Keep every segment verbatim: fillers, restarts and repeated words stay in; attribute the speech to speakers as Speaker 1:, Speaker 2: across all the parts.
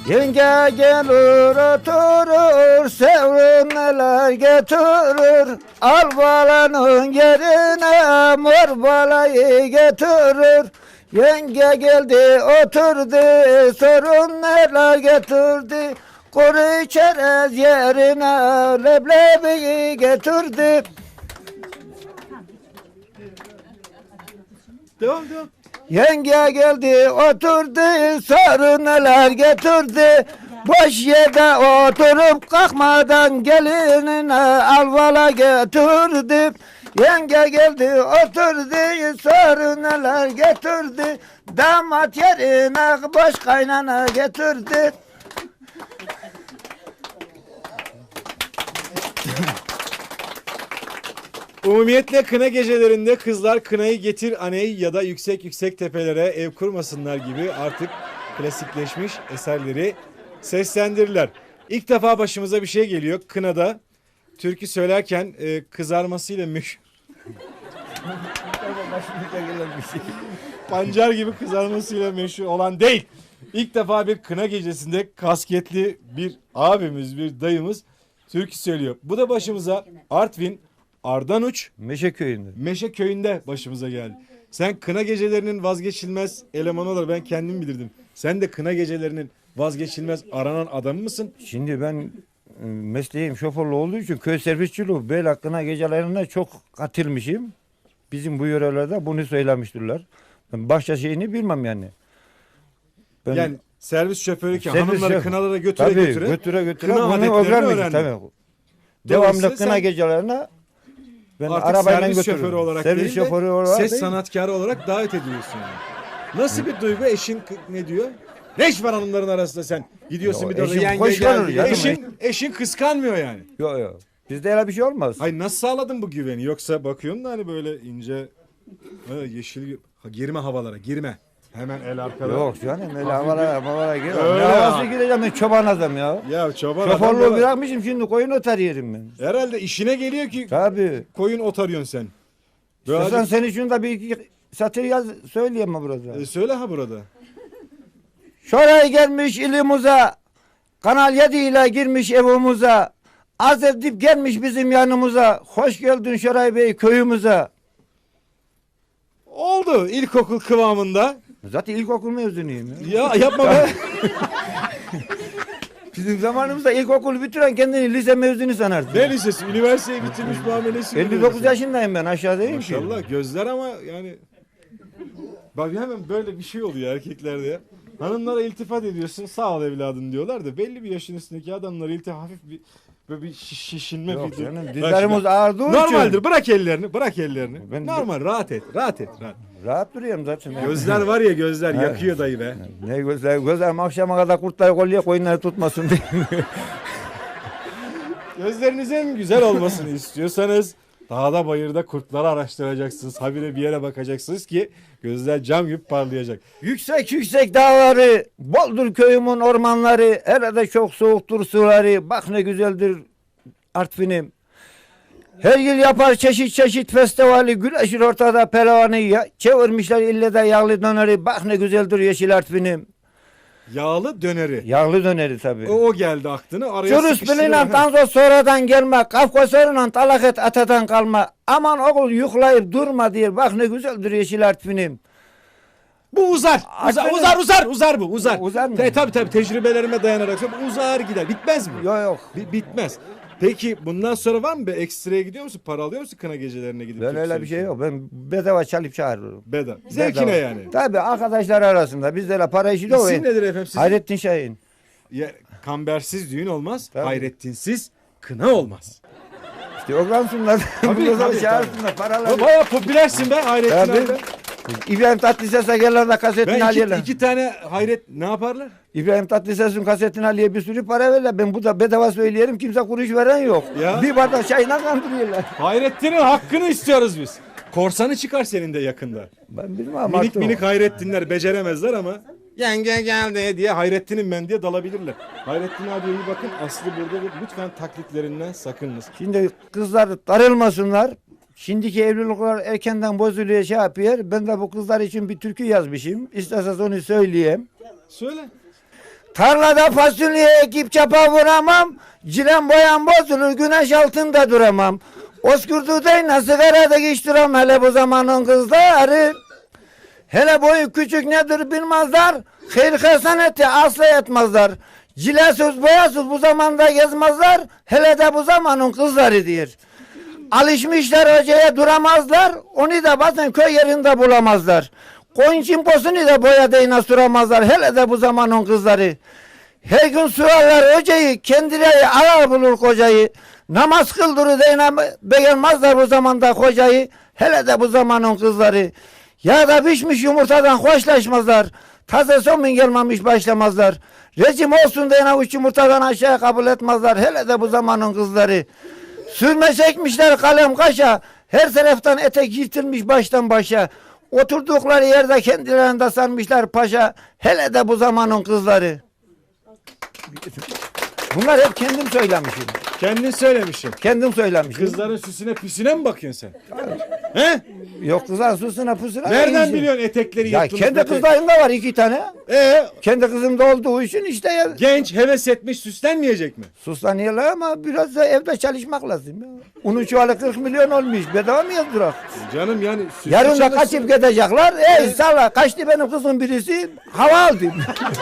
Speaker 1: Yenge gelir oturur, sevrim neler getirir. Al balanın yerine mor balayı getirir. Yenge geldi oturdu, sorun neler getirdi. Kuru çerez yerine leblebiyi getirdi.
Speaker 2: Devam devam.
Speaker 1: Yenge geldi oturdu, sarı neler getirdi. Boş yerde oturup kalkmadan gelinine alvala getirdi. Yenge geldi oturdu, sarı neler getirdi. Damat yerine boş kaynana getirdi.
Speaker 2: Umumiyetle kına gecelerinde kızlar kınayı getir aney ya da yüksek yüksek tepelere ev kurmasınlar gibi artık klasikleşmiş eserleri seslendirirler. İlk defa başımıza bir şey geliyor. Kınada türkü söylerken e, kızarmasıyla meşhur. Pancar gibi kızarmasıyla meşhur olan değil. İlk defa bir kına gecesinde kasketli bir abimiz, bir dayımız türkü söylüyor. Bu da başımıza Artvin Ardanuç
Speaker 1: Meşe köyünde.
Speaker 2: Meşe köyünde başımıza geldi. Sen kına gecelerinin vazgeçilmez elemanı olarak ben kendim bilirdim. Sen de kına gecelerinin vazgeçilmez aranan adamı mısın?
Speaker 1: Şimdi ben e, mesleğim şoförlü olduğu için köy servisçiliği bel hakkına gecelerine çok katılmışım. Bizim bu yörelerde bunu söylemiştirler. Ben başka şeyini bilmem yani. Ben,
Speaker 2: Yani servis şoförü ki
Speaker 1: servis
Speaker 2: hanımları
Speaker 1: şoför-
Speaker 2: kınalara götüre
Speaker 1: tabii,
Speaker 2: götüre,
Speaker 1: götüre götüre
Speaker 2: kına
Speaker 1: bunu
Speaker 2: adetlerini
Speaker 1: öğrenmişim
Speaker 2: öğrendin.
Speaker 1: tabii.
Speaker 2: Dolayısıyla
Speaker 1: Devamlı kına
Speaker 2: sen
Speaker 1: gecelerine ben
Speaker 2: artık
Speaker 1: arabayla
Speaker 2: servis
Speaker 1: götürürüm.
Speaker 2: şoförü olarak
Speaker 1: servis
Speaker 2: değil de
Speaker 1: şoförü olarak
Speaker 2: ses
Speaker 1: değil.
Speaker 2: sanatkarı olarak davet ediyorsun yani. Nasıl bir duygu? Eşin k- ne diyor? Ne iş var hanımların arasında sen? Gidiyorsun
Speaker 1: Yo,
Speaker 2: bir de orada
Speaker 1: eşim
Speaker 2: yenge
Speaker 1: hoş görür
Speaker 2: geldi.
Speaker 1: canım.
Speaker 2: Eşin, eşin kıskanmıyor yani.
Speaker 1: Yok yok. Bizde öyle bir şey olmaz.
Speaker 2: Hayır nasıl sağladın bu güveni? Yoksa bakıyorsun da hani böyle ince ha, yeşil ha, girme havalara girme. Hemen el arkada.
Speaker 1: Yok canım öyle havalara havalara gir.
Speaker 2: Öyle
Speaker 1: Ne havası
Speaker 2: ya.
Speaker 1: gireceğim ben çoban adam ya.
Speaker 2: Ya çoban adam
Speaker 1: Şoförlüğü
Speaker 2: böyle-
Speaker 1: bırakmışım şimdi koyun otar yerim ben.
Speaker 2: Herhalde işine geliyor ki
Speaker 1: Tabii.
Speaker 2: koyun otarıyorsun sen. Böyle
Speaker 1: İstersen senin için de bir iki satır yaz söyleyeyim mi burada?
Speaker 2: E, söyle ha burada.
Speaker 1: Şoray gelmiş ilimize, Kanal yedi ile girmiş evimize, az edip gelmiş bizim yanımıza, hoş geldin Şoray Bey köyümüze.
Speaker 2: Oldu ilkokul kıvamında.
Speaker 1: Zaten ilkokul mezunuyum ya.
Speaker 2: Ya yapma be.
Speaker 1: Bizim zamanımızda ilkokul bitiren kendini lise mezunu sanardı.
Speaker 2: Ne lisesi? Üniversiteyi bitirmiş muamelesi.
Speaker 1: elli dokuz yaşındayım ben aşağıdayım ki.
Speaker 2: Maşallah gözler ama yani. Bak hemen böyle bir şey oluyor erkeklerde ya. Hanımlara iltifat ediyorsun sağ ol evladım diyorlar da belli bir yaşın üstündeki adamlara iltifat hafif bir böyle bir şiş- şişinme
Speaker 1: Yok
Speaker 2: bir
Speaker 1: canım
Speaker 2: Bak
Speaker 1: dizlerimiz
Speaker 2: şimdi,
Speaker 1: ağrıdığı için.
Speaker 2: normaldir bırak ellerini bırak ellerini.
Speaker 1: Ben-
Speaker 2: Normal rahat et rahat et rahat.
Speaker 1: Rahat duruyorum zaten.
Speaker 2: Gözler var ya gözler
Speaker 1: Evet.
Speaker 2: yakıyor dayı be.
Speaker 1: Ne gözler, gözlerim akşama kadar kurtları kolye koyunları tutmasın diye.
Speaker 2: Gözlerinizin güzel olmasını istiyorsanız dağda bayırda kurtları araştıracaksınız. Habire bir yere bakacaksınız ki gözler cam gibi parlayacak.
Speaker 1: Yüksek yüksek dağları, boldur köyümün ormanları, herhalde çok soğuktur suları, bak ne güzeldir Artvin'im. Her yıl yapar çeşit çeşit festivali, güneşin ortada pelavanı, ya, çevirmişler ille de yağlı döneri, bak ne güzeldir yeşil Artvin'im.
Speaker 2: Yağlı döneri.
Speaker 1: Yağlı döneri tabii.
Speaker 2: O, o geldi aklına. Araya
Speaker 1: Çürüs
Speaker 2: sıkıştırıyor.
Speaker 1: bilinen tanzo sonradan gelme, kafkasörüyle talaket atadan kalma. Aman oğul yuklayıp durma diye, bak ne güzeldir yeşil Artvin'im.
Speaker 2: Bu uzar. Uzar,
Speaker 1: Artvin'in-
Speaker 2: uzar, uzar, uzar bu, uzar.
Speaker 1: Uzar mı?
Speaker 2: Te, tabii tabii tecrübelerime dayanarak söylüyorum. Uzar gider. Bitmez mi?
Speaker 1: Yok yok.
Speaker 2: Bi- bitmez. Peki bundan sonra var mı bir ekstraya gidiyor musun? Para alıyor musun kına gecelerine gidip?
Speaker 1: Ben
Speaker 2: Türk
Speaker 1: öyle bir şey yok. Ben bedava çalıp çağırırım.
Speaker 2: Bedava. Zevkine
Speaker 1: Bedava.
Speaker 2: yani.
Speaker 1: Tabii arkadaşlar arasında bizde de para işi de o.
Speaker 2: İsim nedir efendim sizin?
Speaker 1: Hayrettin Şahin.
Speaker 2: Ya, kambersiz düğün olmaz.
Speaker 1: Tabii.
Speaker 2: Hayrettinsiz kına olmaz.
Speaker 1: İşte oransınlar.
Speaker 2: Tabii,
Speaker 1: Burada
Speaker 2: tabii,
Speaker 1: çağırsınlar
Speaker 2: O
Speaker 1: paralar.
Speaker 2: bayağı popülersin be Hayrettin
Speaker 1: Tabii.
Speaker 2: abi.
Speaker 1: İbrahim Tatlıses'e gelirler de kasetini
Speaker 2: Ben iki,
Speaker 1: alıyorlar.
Speaker 2: iki tane hayret ne yaparlar?
Speaker 1: İbrahim Tatlıses'in kasetini alıyor bir sürü para verirler. Ben bu da bedava söyleyelim kimse kuruş veren yok.
Speaker 2: Ya.
Speaker 1: Bir bardak çayına kandırıyorlar.
Speaker 2: Hayrettin'in hakkını istiyoruz biz. Korsanı çıkar senin de yakında.
Speaker 1: Ben bilmem
Speaker 2: Minik
Speaker 1: artık.
Speaker 2: minik Hayrettinler beceremezler ama yenge geldi diye Hayrettin'im ben diye dalabilirler. Hayrettin abiye iyi bakın. Aslı burada lütfen taklitlerinden sakınınız.
Speaker 1: Şimdi kızlar darılmasınlar. Şimdiki evlilikler erkenden bozuluyor şey yapıyor. Ben de bu kızlar için bir türkü yazmışım. İsterseniz onu söyleyeyim.
Speaker 2: Söyle.
Speaker 1: Tarlada fasulye ekip çapa vuramam. Cilem boyam bozulur güneş altında duramam. Oskurdu'dayla sigarada hiç duram hele bu zamanın kızları. Hele boyu küçük nedir bilmezler. Hayır hasaneti asla etmezler. Cilesiz boyasız bu zamanda gezmezler. Hele de bu zamanın kızları diyor. Alışmışlar hocaya duramazlar. Onu da bazen köy yerinde bulamazlar. Koyun çimposunu da boya değine süramazlar. Hele de bu zamanın kızları. Her gün sorarlar hocayı. Kendileri arar bulur kocayı. Namaz kıldırır değine beğenmezler bu zamanda kocayı. Hele de bu zamanın kızları. Ya da pişmiş yumurtadan hoşlaşmazlar. Taze somun gelmemiş başlamazlar. Rejim olsun diyene üç yumurtadan aşağı kabul etmezler. Hele de bu zamanın kızları. Sürme çekmişler kalem kaşa. Her taraftan etek yırtılmış baştan başa. Oturdukları yerde kendilerinde sanmışlar paşa. Hele de bu zamanın kızları. Bunlar hep kendim söylemişim.
Speaker 2: Kendin söylemişsin.
Speaker 1: Kendim söylemişim.
Speaker 2: Kızların süsüne püsüne mi bakıyorsun sen? He?
Speaker 1: Yok kızlar susuna pusuna.
Speaker 2: Nereden
Speaker 1: iyice.
Speaker 2: biliyorsun etekleri
Speaker 1: Ya
Speaker 2: yırtılmış?
Speaker 1: kendi
Speaker 2: etek-
Speaker 1: kızlarımda var iki tane.
Speaker 2: Ee,
Speaker 1: Kendi kızımda olduğu için işte ya.
Speaker 2: genç heves etmiş süslenmeyecek mi?
Speaker 1: Suslanıyorlar ama biraz da evde çalışmak lazım. Ya. Unun çuvalı kırk milyon olmuş. Bedava mı yazdırak?
Speaker 2: Canım yani süslü
Speaker 1: Yarın da
Speaker 2: çalışsın.
Speaker 1: kaçıp gidecekler. Ey salla kaçtı benim kızım birisi. Hava aldı.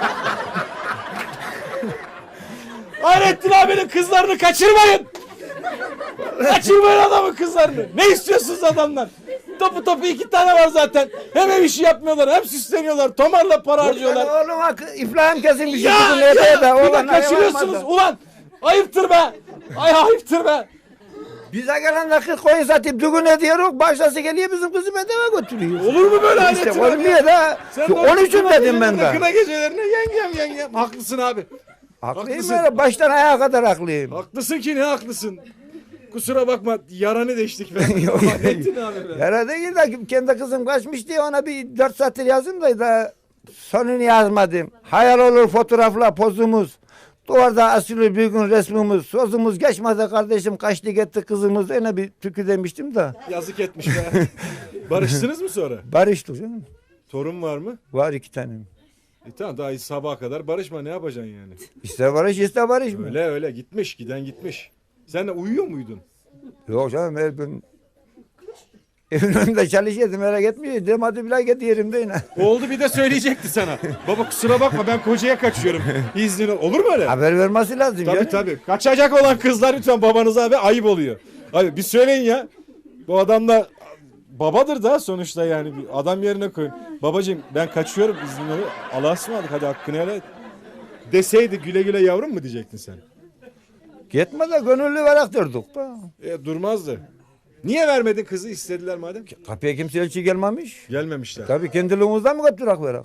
Speaker 2: Hayrettin abinin kızlarını kaçırmayın. Kaçırmayın adamın kızlarını. Ne istiyorsunuz adamlar? Topu topu iki tane var zaten. Hem ev işi yapmıyorlar hem süsleniyorlar. Tomarla para harcıyorlar.
Speaker 1: Oğluma iflahım kesilmiş.
Speaker 2: Ya
Speaker 1: Kızım
Speaker 2: ya
Speaker 1: evde de,
Speaker 2: bir de
Speaker 1: oğlan
Speaker 2: kaçırıyorsunuz
Speaker 1: hayvan
Speaker 2: ulan. Ayıptır be. Ay ayıptır be.
Speaker 1: Bize gelen de kırk koyun satıp düğün ediyoruz. Başkası geliyor bizim kızı bedava götürüyor.
Speaker 2: Olur mu böyle
Speaker 1: İşte
Speaker 2: Hayrettin abi?
Speaker 1: olmuyor da.
Speaker 2: Sen de
Speaker 1: Onun için
Speaker 2: kına
Speaker 1: dedim ben
Speaker 2: gecelerine,
Speaker 1: de.
Speaker 2: Kına gecelerine yengem yengem. Haklısın abi.
Speaker 1: Haklıyım
Speaker 2: Haklısın.
Speaker 1: böyle baştan ayağa kadar haklıyım.
Speaker 2: Haklısın ki ne haklısın. Kusura bakma yaranı deştik be.
Speaker 1: Yok,
Speaker 2: Hayrettin abi be.
Speaker 1: Yara değil de kendi kızım kaçmış diye ona bir dört satır yazdım da, da sonunu yazmadım. Hayal olur fotoğrafla pozumuz. Duvarda asılı bir gün resmimiz. Sözümüz geçmedi kardeşim kaçtı gitti kızımız. Yine bir türkü demiştim de.
Speaker 2: Yazık etmiş be. Barıştınız mı sonra?
Speaker 1: Barıştık canım.
Speaker 2: Torun var mı?
Speaker 1: Var iki tane.
Speaker 2: E tamam daha sabaha kadar barışma ne yapacaksın yani?
Speaker 1: İste barış iste barış mı?
Speaker 2: Öyle öyle gitmiş giden gitmiş. Sen de uyuyor muydun?
Speaker 1: Yok canım her gün evin önünde çalışıyordum merak etmiyor. Demedi bile git yerimde yine.
Speaker 2: Oldu bir de söyleyecekti sana. Baba kusura bakma ben kocaya kaçıyorum. İznin ol. Olur mu öyle?
Speaker 1: Haber vermesi lazım
Speaker 2: Tabii
Speaker 1: canım.
Speaker 2: tabii. Kaçacak olan kızlar lütfen babanıza abi ayıp oluyor. Abi bir söyleyin ya. Bu adam da babadır da sonuçta yani. Bir adam yerine koyun. Babacığım ben kaçıyorum iznini ol. Allah'a ısmarladık hadi hakkını helal et. Deseydi güle güle yavrum mu diyecektin sen?
Speaker 1: Gitme de gönüllü olarak durduk da.
Speaker 2: E, durmazdı. Niye vermedin kızı istediler madem?
Speaker 1: Kapıya kimse elçi gelmemiş.
Speaker 2: Gelmemişler.
Speaker 1: Tabii kendiliğimizden mi götürak verak?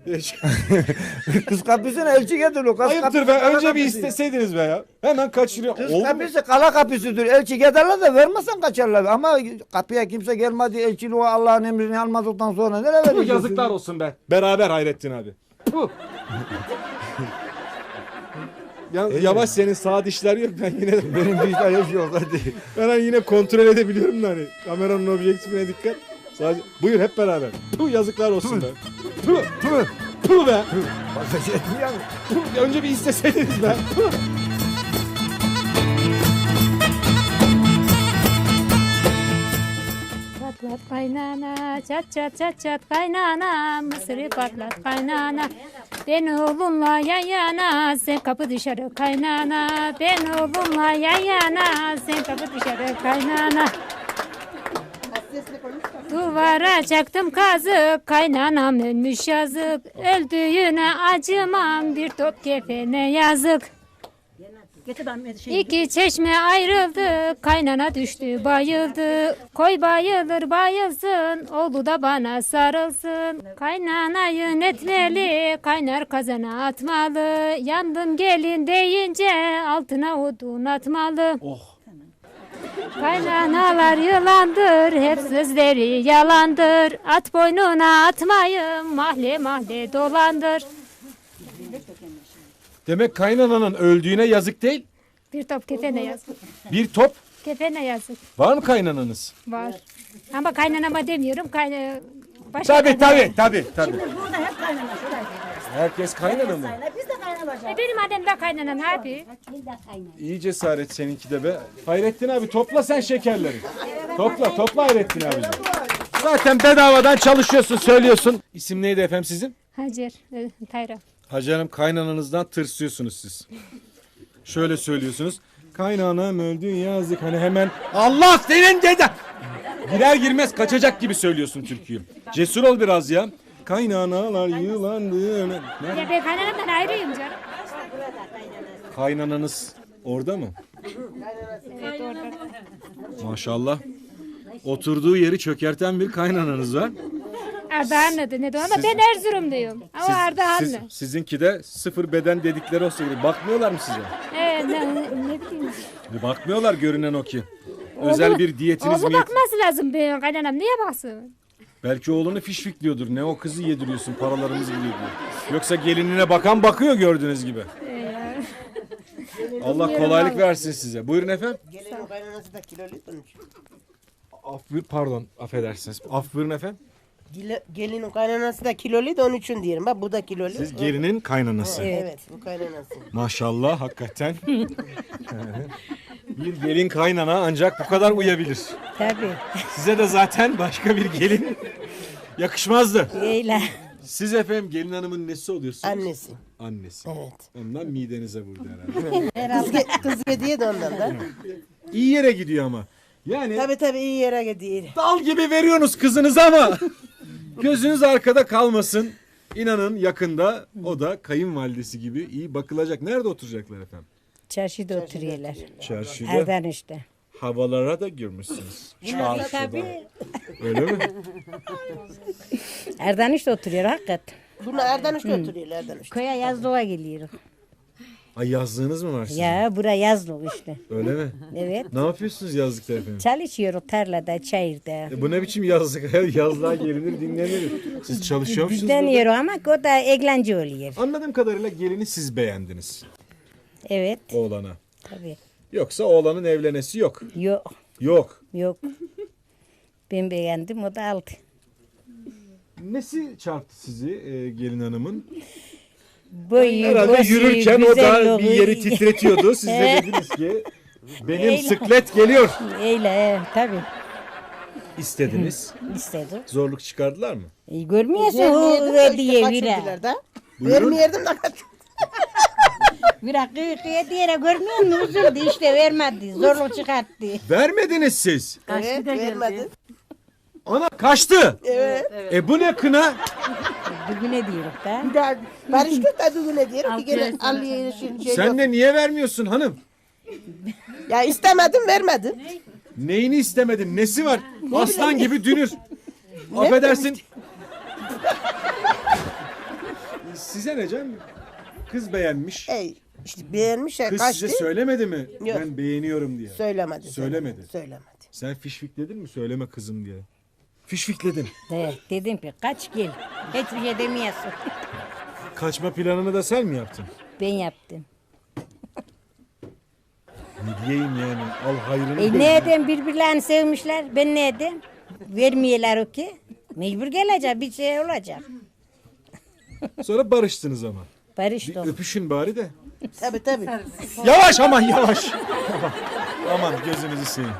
Speaker 1: Kız kapısına elçi getiriyor. Kız
Speaker 2: Ayıptır
Speaker 1: kapısı
Speaker 2: be
Speaker 1: kala
Speaker 2: önce bir
Speaker 1: kapısı.
Speaker 2: isteseydiniz be ya. Hemen kaçırıyor.
Speaker 1: Kız
Speaker 2: Oldu mu?
Speaker 1: kapısı kala kapısıdır. Elçi giderler de vermezsen kaçarlar. Ama kapıya kimse gelmedi. Elçiliği Allah'ın emrini almadıktan sonra nereye
Speaker 2: Puh,
Speaker 1: vereceksin?
Speaker 2: yazıklar olsun be. Beraber Hayrettin abi. Puh. Ya, yavaş senin sağ dişler yok ben yine de,
Speaker 1: Benim bir işler hiç yok hadi.
Speaker 2: ben hani yine kontrol edebiliyorum da hani kameranın objektifine dikkat. Sadece buyur hep beraber. Puh yazıklar olsun be. Puh
Speaker 1: Tüh.
Speaker 2: puh be.
Speaker 1: Fazla şey etmiyor.
Speaker 2: Puh, önce bir isteseydiniz be. Puh.
Speaker 3: Patlat kaynana, çat çat çat çat kaynana, mısırı patlat kaynana. Ben oğlumla yan yana, sen kapı dışarı kaynana. Ben oğlumla yan yana, sen kapı dışarı kaynana. Duvara çaktım kazık, kaynanam ölmüş yazık. Öldüğüne acımam, bir top kefene yazık. İki çeşme ayrıldı, kaynana düştü bayıldı. Koy bayılır bayılsın, oğlu da bana sarılsın. Kaynanayı netmeli, kaynar kazana atmalı. Yandım gelin deyince altına odun atmalı.
Speaker 2: Oh.
Speaker 3: Kaynanalar yılandır, hep sözleri yalandır. At boynuna atmayın, mahalle mahalle dolandır.
Speaker 2: Demek kaynananın öldüğüne yazık değil.
Speaker 3: Bir top kefene yazık.
Speaker 2: Bir top
Speaker 3: Kefene yazık.
Speaker 2: var mı kaynananız?
Speaker 3: Var. Ama kaynanama demiyorum. Kayna... Başka
Speaker 2: Tabii
Speaker 3: kaynana.
Speaker 2: tabii tabii tabii.
Speaker 4: Burada hep kaynana şuraya.
Speaker 2: Herkes kaynana mı?
Speaker 4: Biz de kaynanacağız.
Speaker 3: E benim annem de kaynanam abi.
Speaker 4: Biz de kaynanacağız.
Speaker 2: İyi cesaret seninki de be. Hayrettin abi topla sen şekerleri. Topla topla Hayrettin abi. Zaten bedavadan çalışıyorsun söylüyorsun. İsim neydi efendim sizin?
Speaker 3: Hacer, e, Tayra.
Speaker 2: Hacı Hanım kaynananızdan tırsıyorsunuz siz. Şöyle söylüyorsunuz. Kaynanam öldü yazık hani hemen Allah senin deden. Girer girmez kaçacak gibi söylüyorsun türküyü. Cesur ol biraz ya. Kaynanalar yılandı. Nerede?
Speaker 3: Ya ben kaynanamdan ayrıyım canım.
Speaker 2: Kaynananız orada mı?
Speaker 3: Evet orada.
Speaker 2: Maşallah. Oturduğu yeri çökerten bir kaynananız var.
Speaker 3: Ardahanlı'dı ne de ama ben Erzurumluyum. Ama
Speaker 2: Siz-
Speaker 3: Ardahanlı.
Speaker 2: siz- sizinki de sıfır beden dedikleri olsa gerek. Bakmıyorlar mı size?
Speaker 3: Evet, ne, ne bileyim.
Speaker 2: E, Bakmıyorlar görünen o ki. Özel
Speaker 3: Oğlu-
Speaker 2: bir diyetiniz
Speaker 3: Oğlu
Speaker 2: mi?
Speaker 3: bakması lazım benim kaynanam. Niye baksın?
Speaker 2: Belki oğlunu fişfikliyordur. Ne o kızı yediriyorsun paralarımız gidiyor diyor. Yoksa gelinine bakan bakıyor gördüğünüz gibi.
Speaker 3: Ee, ya.
Speaker 2: Allah kolaylık versin size. Buyurun efendim.
Speaker 5: Gelinin kaynanası da kilolu onun için.
Speaker 2: Af buyur, pardon affedersiniz. Af buyurun efendim.
Speaker 5: Gele- Gelinin kaynanası da kilolu da onun için diyelim. Bak bu da kilolu.
Speaker 2: Siz gelinin kaynanası.
Speaker 5: Evet bu kaynanası.
Speaker 2: Maşallah hakikaten. Bir gelin kaynana ancak bu kadar uyabilir.
Speaker 4: Tabii.
Speaker 2: Size de zaten başka bir gelin yakışmazdı.
Speaker 4: Öyle.
Speaker 2: Siz efendim gelin hanımın nesi oluyorsunuz?
Speaker 5: Annesi.
Speaker 2: Annesi.
Speaker 5: Evet.
Speaker 2: Ondan midenize vurdu herhalde.
Speaker 5: Kız, ge- kız hediye de ondan da.
Speaker 2: İyi yere gidiyor ama. Yani
Speaker 5: Tabii tabii iyi yere gidiyor.
Speaker 2: dal gibi veriyorsunuz kızınıza ama gözünüz arkada kalmasın. İnanın yakında o da kayınvalidesi gibi iyi bakılacak. Nerede oturacaklar efendim?
Speaker 4: Çarşıda oturuyorlar.
Speaker 2: Çarşıda.
Speaker 4: Erden işte.
Speaker 2: Havalara da girmişsiniz. Çarşıda.
Speaker 4: Tabii.
Speaker 2: Öyle mi?
Speaker 4: Erden işte oturuyor hakikat.
Speaker 5: Bunlar Erdanuş'ta oturuyorlar Erdanuş'ta.
Speaker 4: Köye yazlığa geliyor.
Speaker 2: Ay yazlığınız mı var sizin?
Speaker 4: Ya bura yazlık işte.
Speaker 2: Öyle mi?
Speaker 4: Evet.
Speaker 2: Ne yapıyorsunuz yazlıkta efendim?
Speaker 4: Çalışıyoruz tarlada, çayırda.
Speaker 2: E bu ne biçim yazlık? Yazlığa gelinir dinlenir. Siz çalışıyor musunuz? burada?
Speaker 4: Deniyor ama o da eğlence oluyor.
Speaker 2: Anladığım kadarıyla gelini siz beğendiniz
Speaker 4: Evet.
Speaker 2: oğlana.
Speaker 4: Tabii.
Speaker 2: Yoksa oğlanın evlenesi yok.
Speaker 4: Yok.
Speaker 2: Yok.
Speaker 4: Yok. Ben beğendim o da aldı.
Speaker 2: Nesi çarptı sizi e, gelin hanımın?
Speaker 4: Boyu,
Speaker 2: Herhalde
Speaker 4: bosu,
Speaker 2: yürürken o da bir
Speaker 4: güzelliği.
Speaker 2: yeri titretiyordu. Siz de dediniz ki benim
Speaker 4: Eyle.
Speaker 2: sıklet geliyor.
Speaker 4: Öyle he, tabii.
Speaker 2: İstediniz.
Speaker 4: İstedi.
Speaker 2: Zorluk çıkardılar mı?
Speaker 4: E, görmüyorsun
Speaker 5: Vermeyerdim
Speaker 4: o
Speaker 5: de işte
Speaker 4: hediye vira.
Speaker 5: kaçırdılar da.
Speaker 2: Buyurun.
Speaker 5: Vermeyerdim de kaç.
Speaker 4: Vira hediye görmüyor musun? Üzüldü işte vermedi. Zorluk çıkarttı.
Speaker 2: Vermediniz siz.
Speaker 5: Evet vermedi.
Speaker 2: Ana kaçtı.
Speaker 5: Evet.
Speaker 2: E bu ne kına?
Speaker 4: Bugüne diyoruz da.
Speaker 5: Bir daha barıştık da düğüne diyelim ki gene Aliye'ye şey, şey
Speaker 2: Sen
Speaker 5: yok.
Speaker 2: de niye vermiyorsun hanım?
Speaker 5: Ya istemedim vermedim.
Speaker 2: Neyini istemedin? Nesi var? Aslan gibi dünür. Affedersin. Size ne canım? Kız beğenmiş.
Speaker 5: Ey işte beğenmiş ya
Speaker 2: Kız
Speaker 5: kaçtı.
Speaker 2: size söylemedi mi?
Speaker 5: Yok.
Speaker 2: Ben beğeniyorum diye.
Speaker 5: Söylemedi.
Speaker 2: Söylemedi.
Speaker 5: Söylemedi.
Speaker 2: Sen fişfikledin mi? Söyleme kızım diye. Fişfikledin.
Speaker 4: Evet, dedim ki kaç gel. Hiçbir şey demiyorsun.
Speaker 2: Kaçma planını da sen mi yaptın?
Speaker 4: Ben yaptım.
Speaker 2: Ne diyeyim yani? Al hayrını.
Speaker 4: E
Speaker 2: gör.
Speaker 4: ne edeyim birbirlerini sevmişler. Ben ne edeyim? Vermiyorlar o ki. Mecbur gelecek bir şey olacak.
Speaker 2: Sonra barıştınız ama. Bir
Speaker 4: Barıştım.
Speaker 2: öpüşün bari de.
Speaker 5: Tabii tabii.
Speaker 2: Yavaş aman yavaş. aman, aman gözünüzü seveyim.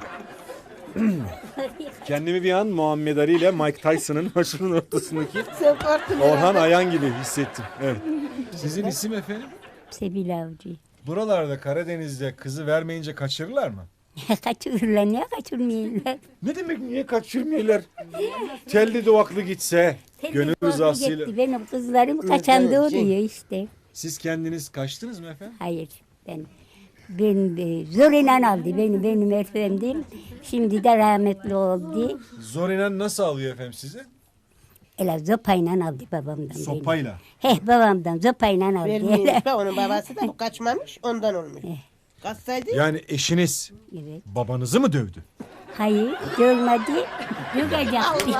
Speaker 2: Kendimi bir an Muhammed Ali ile Mike Tyson'ın başının ortasındaki
Speaker 5: Sen korktun
Speaker 2: Orhan
Speaker 5: herhalde.
Speaker 2: Ayan gibi hissettim. Evet. Sizin isim efendim?
Speaker 6: Sebil Avcı.
Speaker 2: Buralarda Karadeniz'de kızı vermeyince kaçırırlar mı?
Speaker 6: Kaçırırlar, niye kaçırmıyorlar?
Speaker 2: Ne demek niye kaçırmıyorlar? Telli duvaklı gitse, gönül rızasıyla.
Speaker 6: Gitti, benim kızlarım kaçandı oluyor işte.
Speaker 2: Siz kendiniz kaçtınız mı efendim?
Speaker 6: Hayır, ben ben e, zor inan aldı beni, benim efendim. Şimdi de rahmetli oldu.
Speaker 2: Zor inen nasıl alıyor efendim sizi?
Speaker 6: Ela zopayla aldı babamdan beni.
Speaker 2: Sopayla.
Speaker 6: Heh, babamdan zopayla aldı.
Speaker 5: Vermiyormuş da onun babası da bu kaçmamış ondan olmuş. Kaçsaydı
Speaker 2: Yani eşiniz
Speaker 6: Evet.
Speaker 2: babanızı mı dövdü?
Speaker 6: Hayır, görmedi. Dökecekti.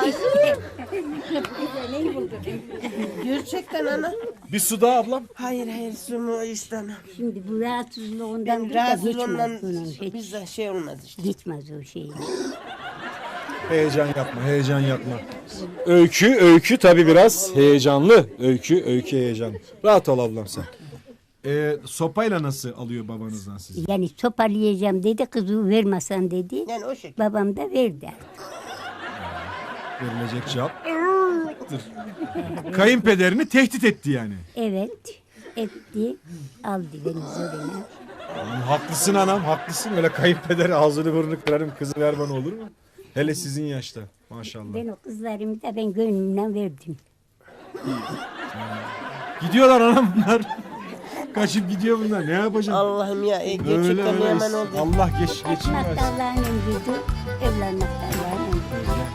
Speaker 5: gerçekten ana.
Speaker 2: Bir su daha ablam.
Speaker 5: Hayır hayır sumu istemem.
Speaker 6: Şimdi bu rahatsızlığından
Speaker 5: Ben
Speaker 6: da geçmez
Speaker 5: rahatsızlığımdan
Speaker 6: bunun. Hiç
Speaker 5: bizde şey olmaz işte.
Speaker 6: geçmez o şey.
Speaker 2: Heyecan yapma, heyecan yapma. Öykü, öykü tabii biraz heyecanlı. Öykü, öykü heyecanlı. Rahat ol ablam sen. Ee, sopayla nasıl alıyor babanızdan sizi?
Speaker 6: Yani toparlayacağım dedi, kızı vermesen dedi.
Speaker 5: Yani o şekilde.
Speaker 6: Babam da verdi.
Speaker 2: Verilecek cevap. Dur. Kayınpederini tehdit etti yani.
Speaker 6: Evet, etti, aldı beni zoruna.
Speaker 2: Anam, haklısın anam, haklısın. Öyle kayınpeder ağzını burnunu kırarım, kızı ver bana olur mu? Hele sizin yaşta maşallah.
Speaker 6: Ben o kızlarımı da ben gönlümden verdim.
Speaker 2: Gidiyorlar anam bunlar. Kaçıp gidiyor bunlar. Ne yapacağım?
Speaker 5: Allah'ım ya e,
Speaker 2: Öyle
Speaker 5: gerçekten
Speaker 2: öyle.
Speaker 5: hemen oldu.
Speaker 2: Allah geç geçin
Speaker 6: Kaçmak da
Speaker 2: versin.
Speaker 6: Allah'ın emridir, evlenmek de Allah'ın emridir.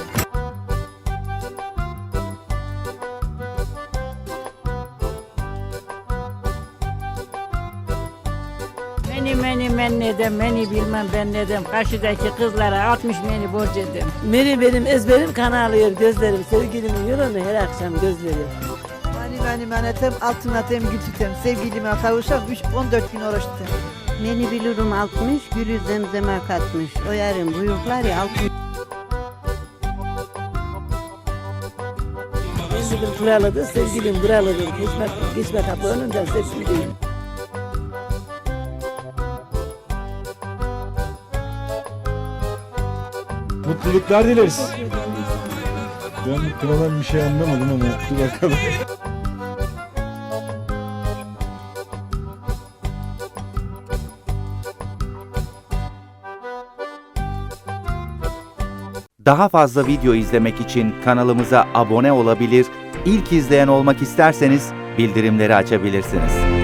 Speaker 7: Meni meni men nedem, meni bilmem ben nedem. Karşıdaki kızlara altmış meni borç edem. Meni benim ezberim kan ağlıyor gözlerim. Sevgilimin yolunu her akşam gözlerim.
Speaker 8: Mani mani manetem, altın atem, gül tutem. Sevgilime kavuşam, üç, on dört gün oruç tutem.
Speaker 9: Beni bilirim altmış, gülü zemzeme katmış. O yarın buyurlar ya altmış.
Speaker 7: Sevgilim buralıdır, sevgilim buralıdır. Geçme, geçme kapı önünden sevgilim.
Speaker 2: Mutluluklar dileriz. Ben kınadan bir şey anlamadım ama dur bakalım.
Speaker 10: Daha fazla video izlemek için kanalımıza abone olabilir, ilk izleyen olmak isterseniz bildirimleri açabilirsiniz.